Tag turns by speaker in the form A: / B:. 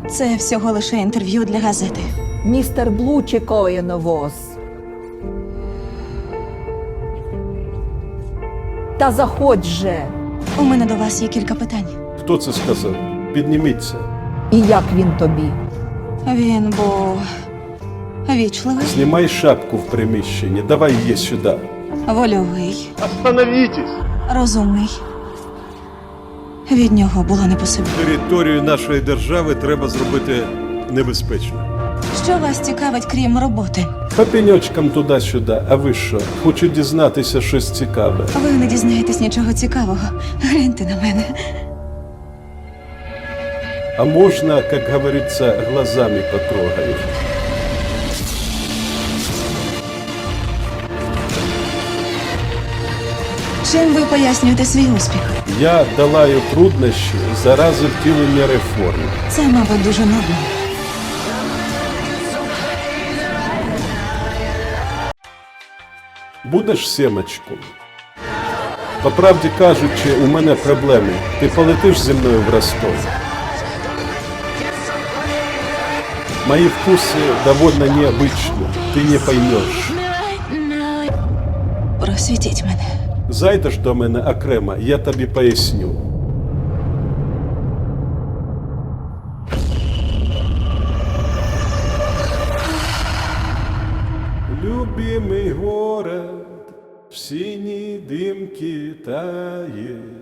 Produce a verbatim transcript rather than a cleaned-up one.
A: Це всього лише інтерв'ю для газети.
B: Містер Блу чекає на вас. Та заходь же.
A: У мене до вас є кілька питань.
C: Хто це сказав? Підніміться.
B: І як він тобі?
A: Він був вічливий,
C: Знімай шапку в приміщенні. Давай її сюди.
A: вольовий,
D: Остановитесь!
A: розумний. Від нього було не по собі.
C: Територію нашої держави треба зробити небезпечною.
A: Що вас цікавить, крім роботи?
C: По пеньочкам туди-сюди. А ви що? Хочу дізнатися щось цікаве.
A: Ви не дізнаєтесь нічого цікавого. Гляньте на мене.
C: А можна, як говориться, глазами потрогаю?
A: Чим ви пояснюєте свій успіх?
C: Я долаю труднощі заради втілення реформ.
A: Це, мабуть, дуже нудно.
C: Будеш сімочку? По правді кажучи, у мене проблеми. Ти полетиш зі мною в Ростов? Мои вкусы довольно необычны. Ты не поймешь.
A: Просвітіть мене.
C: Зайдеш до мене окремо, я тобі поясню. Любимый город в синей дымке тает.